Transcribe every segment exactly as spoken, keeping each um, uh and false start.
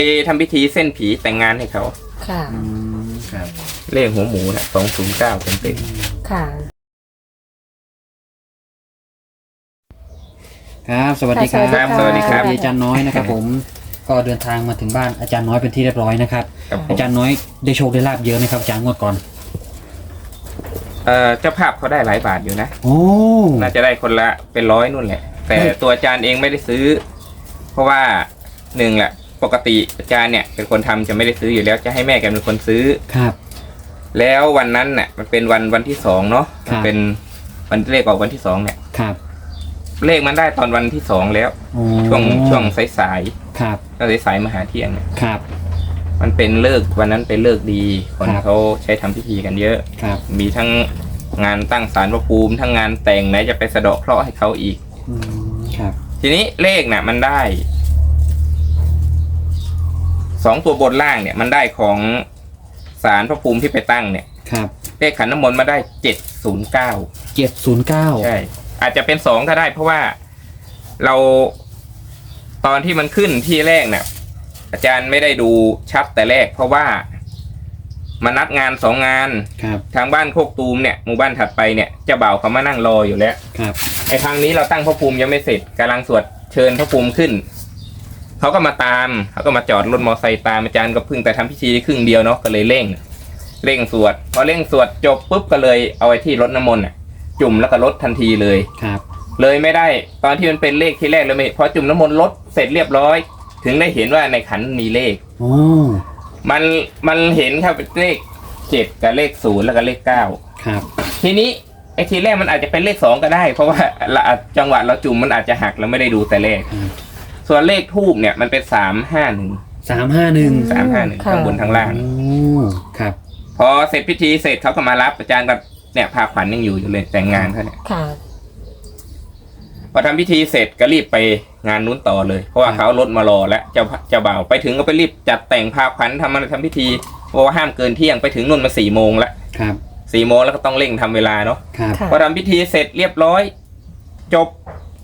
ทำพิธีเส้นผีแต่งงานให้เขาค่ะครับเลขหัวหมูนะสองศูนย์เก้าเต็มเต็มค่ะครับสวัสดีครับสวัสดีครับอาจารย์น้อยนะครับผมก็เดินทางมาถึงบ้านอาจารย์น้อยเป็นที่เรียบร้อยนะครับอาจารย์น้อยได้โชคได้ลาบเยอะไหมครับอาจารย์งวดก่อนเอ่อเจ้าภาพเขาได้หลายบาทอยู่นะโอ้น่าจะได้คนละเป็นร้อยนู่นแหละแต่ตัวอาจารย์เองไม่ได้ซื้อเพราะว่าหนึ่งแหละปกติอาจารย์เนี่ยเป็นคนทำจะไม่ได้ซื้ออยู่แล้วจะให้แม่แกเป็นคนซื้อครับแล้ววันนั้นเนี่ยมันเป็นวันวันที่สองเนาะเป็นวันเลขออกวันที่สองเนี่ยครับเลขมันได้ตอนวันที่สองแล้วช่วงช่วงสายๆครับก็สายๆมาหาเที่ยงเนี่ยครับมันเป็นเลิกวันนั้นเป็นเลิกดีคนเขาใช้ทำพิธีกันเยอะครับมีทั้งงานตั้งศาลพระภูมิทั้งงานแต่งไหนจะไปสะเดาะเคราะห์ให้เขาอีกครับทีนี้เลขน่ะมันได้สองตัวบนล่างเนี่ยมันได้ของศาลพระภูมิที่ไปตั้งเนี่ยครับเลขขันน้ำมนต์มาได้เจ็ดศูนย์เก้าเจ็ดศูนย์เก้าใช่อาจจะเป็นสองก็ได้เพราะว่าเราตอนที่มันขึ้นที่แรกเนี่ยอาจารย์ไม่ได้ดูชัดแต่แรกเพราะว่ามานัดงานสองงานทางบ้านโคกตูมเนี่ยหมู่บ้านถัดไปเนี่ยเจ้าบ่าวเขามานั่งรออยู่แล้วไอ้ทางนี้เราตั้งพระภูมิยังไม่เสร็จกำลังสวดเชิญพระภูมิขึ้นเขาก็มาตามเขาก็มาจอดรถมอไซค์ตามอาจารย์ก็เพิ่งแต่ทำพิธีครึ่งเดียวเนาะก็เลยเร่งเร่งสวดพอเร่งสวดจบปุ๊บก็เลยเอาไว้ที่รถน้ำมนต์จุ่มแล้วก็ลดทันทีเลยครับเลยไม่ได้ตอนที่มันเป็นเลขที่แรกเลยไม่พอจุ่มน้ำมนต์ลดเสร็จเรียบร้อยถึงได้เห็นว่าในขันมีเลขโอ้มันมันเห็นครับเลขเจ็ดกับเลขศูนย์แล้วก็เลขเก้าครับทีนี้ไอ้ทีแรกมันอาจจะเป็นเลขสองก็ได้เพราะว่าจังหวะเราจุ่มมันอาจจะหักเราไม่ได้ดูแต่เลขส่วนเลขทูบเนี่ยมันเป็นสามห้าหนึ่งสามห้าหนึ่งสามห้าหนึ่งข้างบนทางล่างครับพอเสร็จพิธีเสร็จเขาก็มารับอาจารย์กับเนี่ยพาขวัญยังอยู่อยู่เลยแต่งงานเขาเนี่ยพอทำพิธีเสร็จก็รีบไปงานนู้นต่อเลยเพราะว่าเขารถมารอแล้วเจ้าเจ้าบ่าวไปถึงก็ไปรีบจัดแต่งพาขวัญทำอะไรทำพิธีเพราะว่าห้ามเกินเที่ยงไปถึงนู่นมาสี่โมงแล้วครับสี่โมงแล้วก็ต้องเร่งทำเวลาเนาะพอทำพิธีเสร็จเรียบร้อยจบ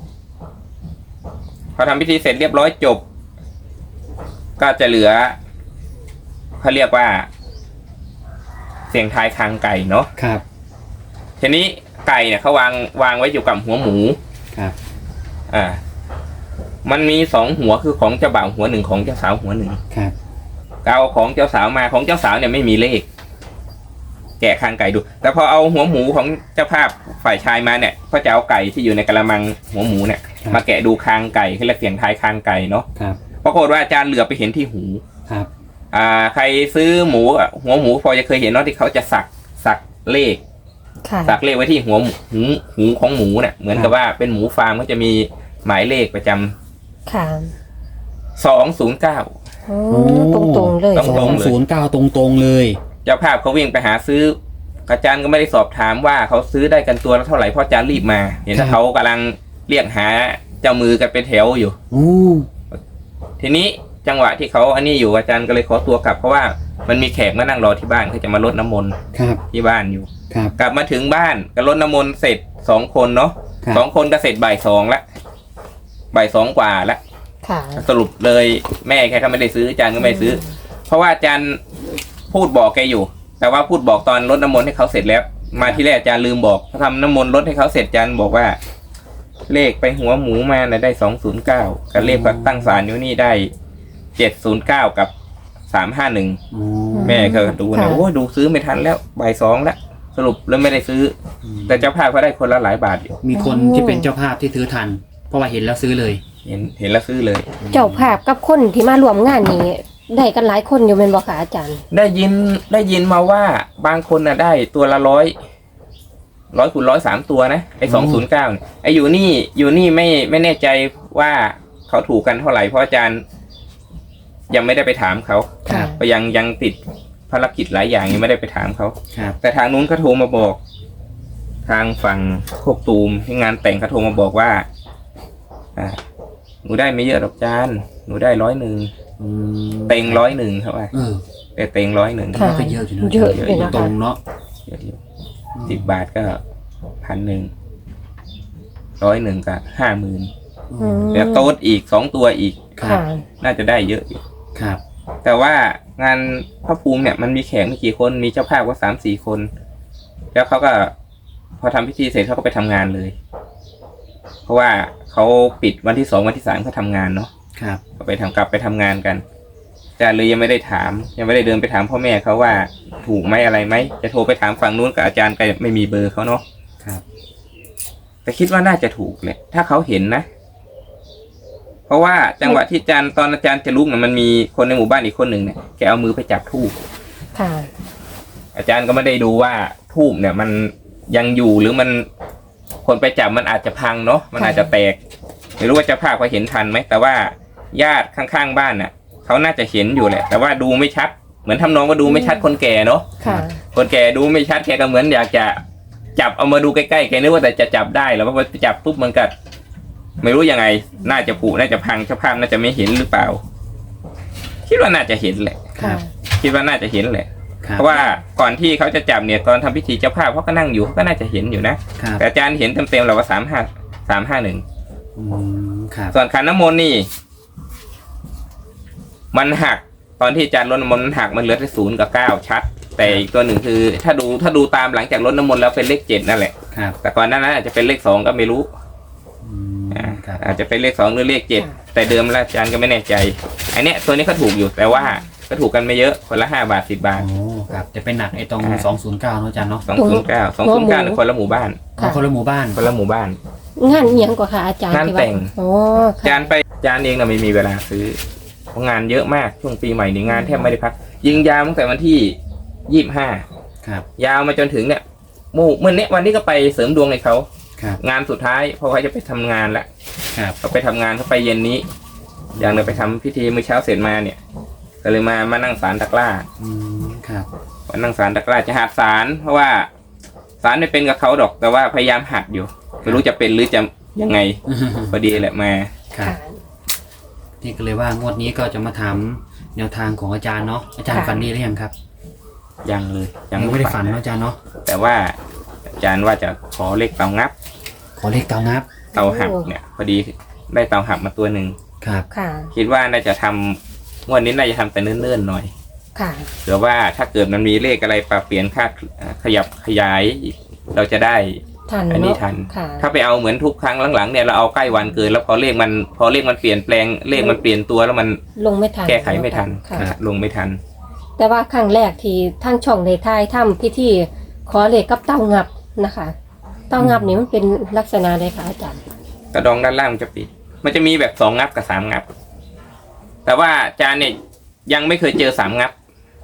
พอทำพิธีเสร็จเรียบร้อยจบก็จะเหลือเขาเรียกว่าเสียงทายคางไก่เนาะครับทีนี้ไก่เนี่ยเขาวางวางไว้อยู่กับหัวหมูครับอ่ามันมีสองหัวคือของเจ้าบ่าวหัวหนึ่งของเจ้าสาวหัวหนึ่งครับเอาของเจ้าสาวมาของเจ้าสาวเนี่ยไม่มีเลขแกะคางไก่ดูแต่พอเอาหัวหมูของเจ้าภาพฝ่ายชายมาเนี่ยก็จะเอาไก่ที่อยู่ในกระมังหัวหมูเนี่ยมาแกะดูคางไก่คือเรียกเสียงทายคางไก่เนาะครับปรากฏว่าอาจารย์เหลือไปเห็นที่หูครับอ่าใครซื้อหมูหัวหมูพอจะเคยเห็นเนาะที่เขาจะสักสักเลขสักเลขไว้ที่หัวหูหูของหมูเนี่ยเหมือนกับว่าเป็นหมูฟาร์มก็จะมีหมายเลขประจำค่ะสองศูนย์เก้าตรงตรงเลยสองศูนย์เก้าตรงตรงเลยเจ้าภาพเขาวิ่งไปหาซื้ออาจารย์ก็ไม่ได้สอบถามว่าเขาซื้อได้กันตัวละเท่าไหร่เพราะอาจารย์รีบมาเห็นเขากำลังเรียกหาเจ้ามือกันเป็นแถวอยู่ทีนี้จังหวะที่เขาอันนี้อยู่อาจารย์ก็เลยขอตัวกลับเพราะว่ามันมีแขกมานั่งรอที่บ้านเขาจะมารดน้ำมนต์ที่บ้านอยู่กลับมาถึงบ้านก็รดน้ำมนต์เสร็จสองคนเนาะสองคนก็เสร็จบ่ายสองละบ่ายสองกว่าละสรุปเลยแม่แค่เขาไม่ได้ซื้ออาจารย์ก็ไม่ซื้อเพราะว่าอาจารย์พูดบอกแกอยู่แต่ว่าพูดบอกตอนรดน้ำมนต์ให้เขาเสร็จแล้วมาที่แรกอาจารย์ลืมบอกเขาทำน้ำมนต์รดให้เขาเสร็จอาจารย์บอกว่าเลขไปหัวหมูมาเนี่ยได้สองศูนย์เก้ากับเลขตั้งศาลอยู่นี่ได้เจ็ดศูนย์เก้ากับสามห้าหนึ่งแม่ก็ดูนะโอ้ดูซื้อไม่ทันแล้วบ่ายสองแล้วสรุปแล้วไม่ได้ซื้อแต่เจ้าภาพเขาได้คนละหลายบาทอยู่มีคนที่เป็นเจ้าภาพที่ซื้อทันเพราะว่าเห็นแล้วซื้อเลยเห็นเห็นแล้วซื้อเลยเจ้าภาพกับคนที่มารวมงานนี้ได้กันหลายคนอยู่เป็นบ่คะอาจารย์ได้ยินได้ยินมาว่าบางคนน่ะได้ตัวละร้อยร้อยคูณร้อยสามตัวนะไอ้สองศูนย์เก้าไอ้อยู่นี่อยู่นี่ไม่ไม่แน่ใจว่าเขาถูกกันเท่าไหร่เพราะอาจารย์ยังไม่ได้ไปถามเขาก็ยังยังติดภารกิจหลายอย่างยังไม่ได้ไปถามเขาแต่ทางนู้นเขาโทรมาบอกทางฝั่งโคกตูมที่งานแต่งเขาโทรมาบอกว่าอ่าหนูได้ไม่เยอะหรอกอาจารย์หนูได้ร้อยหนึ่งเต็งร้อยหนึ่งครับว่าแต่เต็งร้อยหนึ่งก็เยอะอยู่นะเยอะอยู่นะตรงเนาะสิบบาทก็พันหนึ่งร้อยหนึ่งก็ห้าหมื่นแล้วโต๊ดอีกสองตัวอีกน่าจะได้เยอะอยู่ครับแต่ว่างานพระภูมิเนี่ยมันมีแขกไม่กี่คนมีเจ้าภาพก็สามสี่คน แล้วเขาก็พอทำพิธีเสร็จเขาก็ไปทำงานเลย เพราะว่าเขาปิดวันที่สองวันที่สามเขาทำงานเนาะครับก็ไปทำกลับไปทำงานกันอาจารย์เลยยังไม่ได้ถาม ยังไม่ได้เดินไปถามพ่อแม่เขาว่าถูกไหมอะไรไหมจะโทรไปถามฝั่งนู้นกับอาจารย์ก็ไม่มีเบอร์เขาเนาะครับแต่คิดว่าน่าจะถูกแหละถ้าเขาเห็นนะ เพราะว่าจังหวะที่อาจารย์ตอนอาจารย์จะลุกเนี่ยมันมีคนในหมู่บ้านอีกคนหนึ่งเนี่ยแกเอามือไปจับธูปค่ะอาจารย์ก็ไม่ได้ดูว่าธูปเนี่ยมันยังอยู่หรือมันคนไปจับมันอาจจะพังเนาะมันอาจจะแตกไม่รู้ว่าเจ้าภาพเขาเห็นทันไหมแต่ว่าญาติข้างๆบ้านน่ะเขาน่าจะเห็นอยู่แหละ แต่ว่าดูไม่ชัดเหมือนทำนองว่าดูไม่ชัดคนแก่เนาะค่ะคนแก่ดูไม่ชัดแกก็เหมือนอยากจะจับเอามาดูใกล้ๆแกนึกว่าแต่จะจับได้แล้วพอจับปุ๊บมันก็ไม่รู้ยังไงน่าจะผุน่าจะพังเจ้าภาพน่าจะไม่เห็นหรือเปล่า คิดว่าน่าจะเห็นแหละค่ะคิดว่าน่าจะเห็นแหละครับเพราะว่าก่อนที่เขาจะจับเนี่ยตอนทำพิธีเจ้าภาพเขาก็นั่งอยู่เขาก็น่าจะเห็นอยู่นะครับ แต่อาจารย์เห็นเต็มๆเราว่าสามห้าสามห้าหนึ่งอืมครับส่วนขันน้ำมนต์นี่ มันหักตอนที่อาจารย์ลดน้ำมนต์มันหักมันเหลือแต่ศูนย์กับเก้าชัด แต่อีกตัวหนึ่งคือ ถ้าดูถ้าดูตามหลังจากลดน้ำมนต์แล้วเป็นเลขเจ็ดนั่นแหละครับแต่ก่อนหน้านั้นอาจจะเป็นเลขสองก็ไม่รู้อืมอ่าครับอาจจะเป็นเลขสองหรือเลขเจ็ดแต่เดิมแล้วอาจารย์ก็ไม่แน่ใจอันเนี้ยตัวนี้เขาถูกอยู่แต่ว่าก็ถูกกันไม่เยอะคนละห้าบาทสิบบาทโอ้ครับจะเป็นหนักไอ้ตรงอ่าสองศูนย์เก้าเนอะอาจารย์เนาะสองศูนย์เก้าสองศูนย์เก้าคนละหมู่บ้านอ๋อคนละหมู่บ้านคนละหมู่บ้านงานเอียงกว่าค่ะอาจารย์งานที่ว่แต่งโอ้อาจารย์ไปอาจารย์เองนะไม่มีเวลาซื้อเพราะงานเยอะมากช่วงปีใหม่นี่งานแทบไม่ได้พัก ยิงยาวตั้งแต่วันที่ยี่สิบห้าครับยาวมาจนถึงเนี่ยโมเมื่อเนี้ยวันนี้ก็ไปเสริมดวงให้เขาครับงานสุดท้ายเพราะเขาจะไปทำงานละครับเขาไปทำงานเขาไปเย็นนี้ อย่างเราไปทำพิธีมื้อเช้าเสร็จมาเนี่ยก็เลยมามานั่งศาลตะกร้าอืมครับมานั่งศาลตะกร้าจะหัดศาลเพราะว่าศาลไม่เป็นกับเขาดอกแต่ว่าพยายามหัดอยู่ไม่รู้จะเป็นหรือจะยังไงพอดีแหละมาครับค่ะนี่ก็เลยว่างวดนี้ก็จะมาถามแนวทางของอาจารย์เนาะอาจารย์ค่ะฝันดีหรือยังครับยังเลยยังยังไม่ได้ฝันเนอะอาจารย์เนาะแต่ว่าอาจารย์ว่าจะขอเลขเตางับขอเลขเตางับเตาหักเนี่ย พอดีได้เตาหักมาตัวหนึ่งครับค่ะคิดว่าน่าจะทำงวดนี้น่าจะทำแต่เนิ่นๆหน่อยค่ะเผื่อว่าถ้าเกิดมันมีเลขอะไรปรับเปลี่ยนคาดขยับขยาย เราจะได้ทันอันนี้เนาะทันค่ะถ้าไปเอาเหมือนทุกครั้งหลังๆเนี่ยเราเอาใกล้วันเกินแล้วพอเลขมันพอเลขมันเปลี่ยนแปลงเลขมันเปลี่ยนตัวแล้วมันลงไม่ทันแก้ไขไม่ทันค่ะอ่ะลงไม่ทันแต่ว่าครั้งแรกที่ทั้งช่องในทายทำพิธีขอเลขกับเต้างับนะคะ เต้างับนี่มันเป็นลักษณะใดคะอาจารย์กระดองด้านล่างมันจะปิด มันจะมีแบบสองงับกับสามงับ แต่ว่าอาจารย์เนี่ยยังไม่เคยเจอสามงับ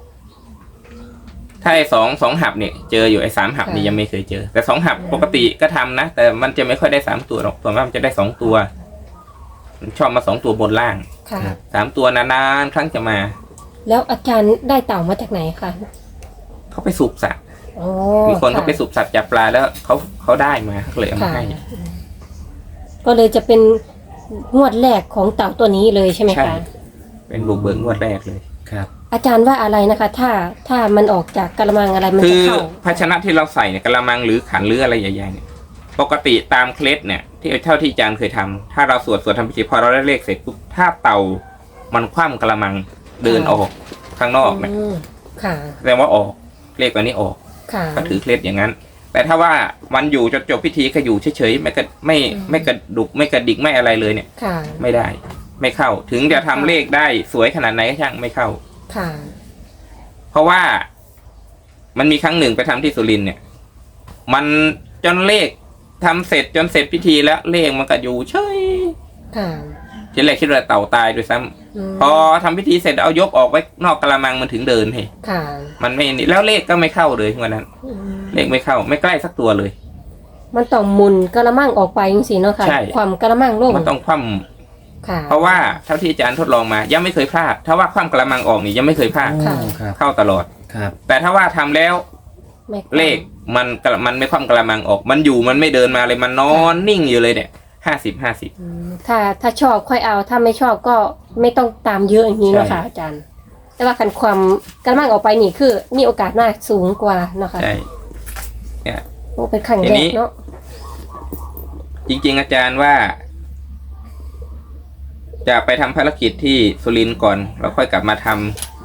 ถ้าไอ้สองสองหับเนี่ยเจออยู่ไอ้สามหับนี่ยังไม่เคยเจอ แต่สองหับปกติก็ทำนะ แต่มันจะไม่ค่อยได้สามตัวหรอกส่วนมากมันจะได้สองตัวมันชอบมาสองตัวบนล่างค่ะครับสามตัวนานๆครั้งจะมาแล้วอาจารย์ได้เต่ามาจากไหนคะเขาไปสูบสัตว์โอ้มีคนเขาะไปสูบสัตว์จับปลาแล้วเขาเขาได้มาเขาเลยเอามาค่ะให้ก็เลยจะเป็นงวดแรกของเต่าตัวนี้เลยใช่ไหมใช่คะเป็นบุกเบิกงวดแรกเลยครับอาจารย์ว่าอะไรนะคะ ถ้าถ้ามันออกจากกระมังอะไรมันคืจะอเข้าภาชนะที่เราใส่เนี่ยกระมังหรือขันหรืออะไรใหญ่ๆเนี่ยปกติตามเคล็ดเนี่ย ที่เท่าที่อาจารย์เคยทำถ้าเราสวดสวดทำพิธีพอเราได้เลขเสร็จปุ๊บถ้าเต่ามันคว่ำกระมังเดินออกข้างนอกเนี่ยอืมค่ะแสดงว่าออกเลขตัวนี้ออกค่ะก็ถือเคล็ดอย่างนั้น แต่ถ้าว่ามันอยู่จนจบพิธีก็อยู่เฉยๆไม่กระไม่ไม่กระดุกไม่กระดิกไม่อะไรเลยเนี่ยค่ะไม่ได้ ไม่เข้า ถึงจะทำเลขได้สวยขนาดไหนก็ช่างไม่เข้าค่ะเพราะว่ามันมีครั้งหนึ่งไปทำที่สุรินทร์เนี่ย มันจนเลขทำเสร็จจนเสร็จพิธีแล้วเลขมันก็อยู่เฉยค่ะทีแรกคิดว่าเต่าตายด้วยซ้ำมพอทำพิธีเสร็จเอายกออกไว้นอกกระมังมันถึงเดินเฮ้ค่ะมันไม่นี่แล้วเลขก็ไม่เข้าเลยวันนั้นอืมเลขไม่เข้า ไม่ใกล้สักตัวเลยมันต้องหมุนกระมังออกไปจริงๆเนาะค่ะใช่ความกระมังลงมันต้องคว่ค่ะำเพราะว่าเท่าที่อาจารย์ทดลองมา ยังไม่เคยพลาด ถ้าว่าคว่ำกระมังออกนี่ยังไม่เคยพลาดโอ้ครับเข้าตลอดครับแต่ถ้าว่าทำแล้วไม่เลขมันกระมันไม่คว่ำกระมังออก มันอยู่มันไม่เดินมาเลยมันนอนนิ่งอยู่เลยเนี่ยห้าสิบห้าสิบอืมถ้าถ้าชอบค่อยเอา ถ้าไม่ชอบก็ไม่ต้องตามเยอะอย่างนี้เนาะค่ะใช่อาจารย์ แต่ว่าคันความกระมังออกไปนี่คือ มีโอกาสมากสูงกว่าเนาะค่ะใช่เนี่ยโอ้เป็นครั้งทีแรนี้กเนาะจริง ๆ อาจารย์ว่า จะไปทำภารกิจที่สุรินทร์ก่อนแล้วค่อยกลับมาทำ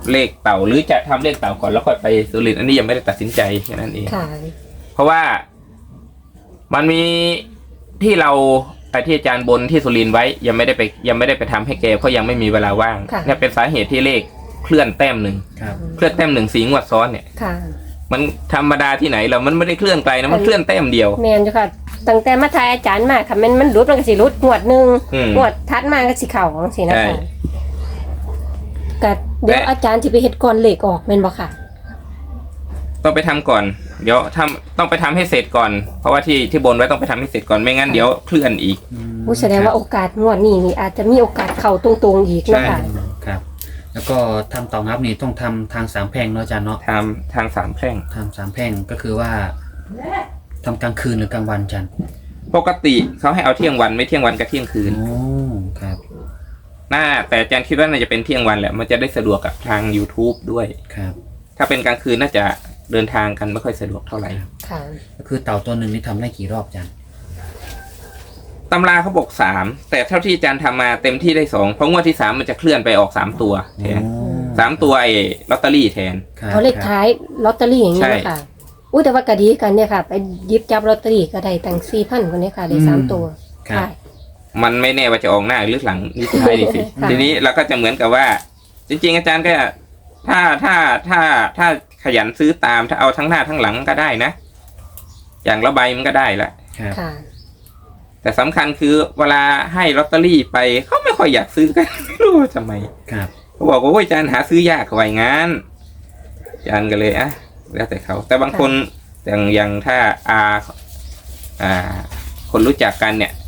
เลขเต่าหรือจะทำเลขเต่าก่อนแล้วค่อยไปสุรินทร์อันนี้ยังไม่ได้ตัดสินใจแค่นั้นเองค่ะเพราะว่ามันมีที่เราไอ้ที่อาจารย์บนที่สุรินทร์ไว้ยังไม่ได้ไปยังไม่ได้ไปทำให้แกเพราะยังไม่มีเวลาว่างค่ะเนี่ยเป็นสาเหตุที่เลขเคลื่อนแต้มหนึ่งครับเคลื่อนแต้มหนึ่งสีงวดซ้อนเนี่ยค่ะมันธรรมดาที่ไหนเรามันไม่ได้เคลื่อนไกลนะมันเคลื่อนแต้มเดียวแมนจ้ะค่ะตั้งแต่มาทายอาจารย์มาค่ะมันมันรุดมันก็สิรุดงวดหนึ่งอืมงวดทัดมาก็สิเข่าของสินะใช่คะก็เดี๋ยวและอาจารย์จะไปเฮ็ดก่อนเหล็กออกแม่นบ่ค่ะต้องไปทำก่อน เดี๋ยวทำต้องไปทำให้เสร็จก่อน เพราะว่าที่ที่บนไว้ต้องไปทำให้เสร็จก่อนไม่งั้นเดี๋ยวเคลื่อนอีกอืมผู้แสดงว่าโอกาสงวดนี้นี่อาจจะมีโอกาสเข้าตรงๆอีกใช่เนาะค่ะครับ แล้วก็ทำเต่างับนี่ต้องทำทางสามแพร่งเนาะอาจารย์เนาะทำทางสามแพร่งทำสามแพร่งก็คือว่าทำกลางคืนหรือกลางวันอาจารย์ปกติเขาให้เอาเที่ยงวันไม่เที่ยงวันกับเที่ยงคืนโอ้ครับน่าแต่อาจารย์คิดว่าน่าจะเป็นเที่ยงวันแหละมันจะได้สะดวกกับทาง YouTube ด้วยครับถ้าเป็นกลางคืนน่าจะเดินทางกันไม่ค่อยสะดวกเท่าไหร่ค่ะก็คือเต่าตัวหนึ่งนี่ทำได้กี่รอบอาจารย์ตำราเขาบอกสามแต่เท่าที่อาจารย์ทำมาเต็มที่ได้สองเพราะงวดที่สามมันจะเคลื่อนไปออกสามตัวแทนโอ้สามตัวไอ้ลอตเตอรี่แทนครับเอาเลขท้ายลอตเตอรี่อย่างนี้ใช่นะคะอุ้ยแต่ว่าก็ดีกันเนี่ยค่ะ ไปหยิบจับลอตเตอรี่ก็ได้ตั้งสี่พันคนนี้ค่ะได้สามตัวครับค่ะมันไม่แน่ว่าจะออกหน้าหรือหลังนี่ท้ายนี่สิค่ะทีนี้เราก็จะเหมือนกับว่า จริง ๆ อาจารย์ก็ถ้าถ้าถ้าถ้าขยันซื้อตามถ้าเอาทั้งหน้าทั้งหลังก็ได้นะ อย่างละใบมันก็ได้ละครับค่ะแต่สำคัญคือเวลาให้ลอตเตอรี่ไปเขาไม่ค่อยอยากซื้อกัน ไม่รู้ว่าทำไมครับเขาบอกว่าโอ้ยอาจารย์หาซื้อยากกว่าอย่างงั้นอาจารย์ก็เลยอ่ะแล้วแต่เขา แต่บางคนอย่างอย่างถ้าอาอ่า คนรู้จักกันเนี่ย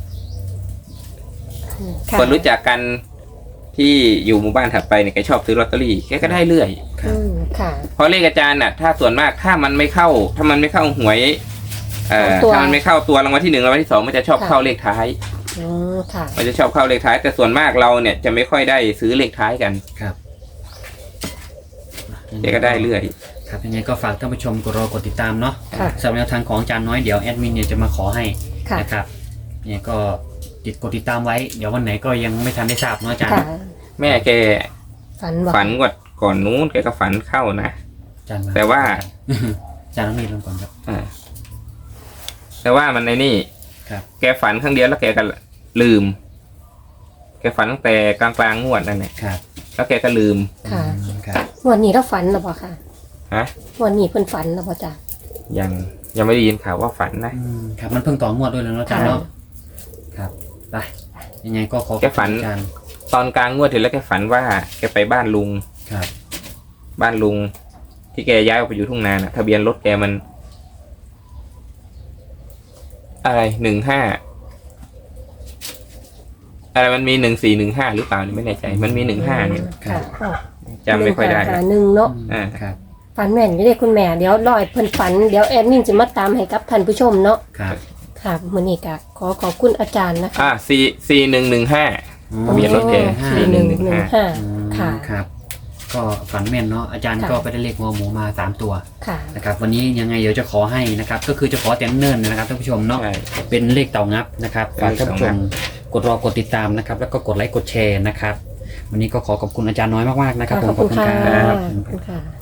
ค่ะคนรู้จักกันที่อยู่หมู่บ้านถัดไปเนี่ยแกชอบซื้อลอตเตอรี่แกก็ได้เรื่อยครัอืบมค่ะเพราะเลขอาจารย์น่ะถ้าส่วนมากถ้ามันไม่เข้า ถ้ามันไม่เข้าหวยเอ่อตัวถ้ามันไม่เข้าตัวรางวัลที่หนึ่งรางวัลที่สองมันจะชอบค่ะเข้าเลขท้ายอืมค่ะมันจะชอบเข้าเลขท้าย แต่ส่วนมากเราเนี่ยจะไม่ค่อยได้ซื้อเลขท้ายกันครับแกก็ได้เรื่อยครับยังไงก็ฝากท่านผู้ชมกดรอกดติดตามเนาะค่ะสำหรับแนวทางของอาจารย์น้อยเดี๋ยวแอดมินเนี่ยจะมาขอให้ค่ะนะครับเนี่ยก็ติดกดติดตามไว้เดี๋ยววันไหนก็ยังไม่ทันได้ทราบเนาะอาจารย์ค่ะแม่แกฝันว่าฝันกว่าก่อนนู้นแกก็ฝันเข้านะอาจารย์แต่ว่าอาจารย์ต้องมีเรื่องก่อนครับอ่าแต่ว่ามันในนี่ครับแกฝันครั้งเดียวแล้วแกก็ลืม แกฝันตั้งแต่กลางกลางๆงวดนั่นแหละครับแล้วแกก็ลืมค่ะอืมครับงวันนี้เราฝันหรือเปล่าค่ะฮะงวันนี้เพิ่นฝันหรือเปล่าจ้ะยังยังไม่ได้ยินข่าวว่าฝันนะอืมครับมันเพิ่งต่องวดด้วยแล้วเนาะอาจารย์ค่ะเนาะครับไปยังไงก็ขอขอบแกฝัคุณนอาจารย์ตอนกลางงวดถึงแล้วแกฝันว่าแกไปบ้านลุงครับบ้านลุง ที่แกย้ายออกไปอยู่ทุ่งนาน่ะทะเบียนรถแกมัน อะไรหนึ่งห้าอะไรมันมีหนึ่งสี่หนึ่งห้าหรือเปล่านี่ไม่แน่ใจ มันมีหนึ่งห้าเนี่ยค่ะอ๋อจำไม่ค่อยได้หนึ่งละหาหนึ่งเนาะอืมครับฝันแม่นอยู่เด้คุณแม่เดี๋ยวรอยเพิ่นฝันเดี๋ยวแอดมินจะมาตามให้กับท่านผู้ชมเนาะครับค่ะมื้อนี้ก็ขอขอบคุณอาจารย์นะคะอ่าสี่สี่หนึ่งหนึ่งห้า ทะเบียนรถแกสี่หนึ่งหนึ่งห้าอืมค่ะครับ ก็ฝันแม่นเนาะอาจารย์ค่ะก็ไปได้เลขหัวหมูมาสามตัวค่ะนะครับวันนี้ยังไงเดี๋ยวจะขอให้นะครับก็คือจะขอแต่เนิ่นๆนะครับท่านผู้ชมเนาะใช่เป็นเลขเต่างับนะครับฝากท่านผู้ชมกดรอกดติดตามนะครับแล้วก็กดไลค์กดแชร์นะครับวันนี้ก็ขอขอบคุณอาจารย์น้อยมากๆนะครับผมขอบคุณค่ะรับขอบคุณค่ะ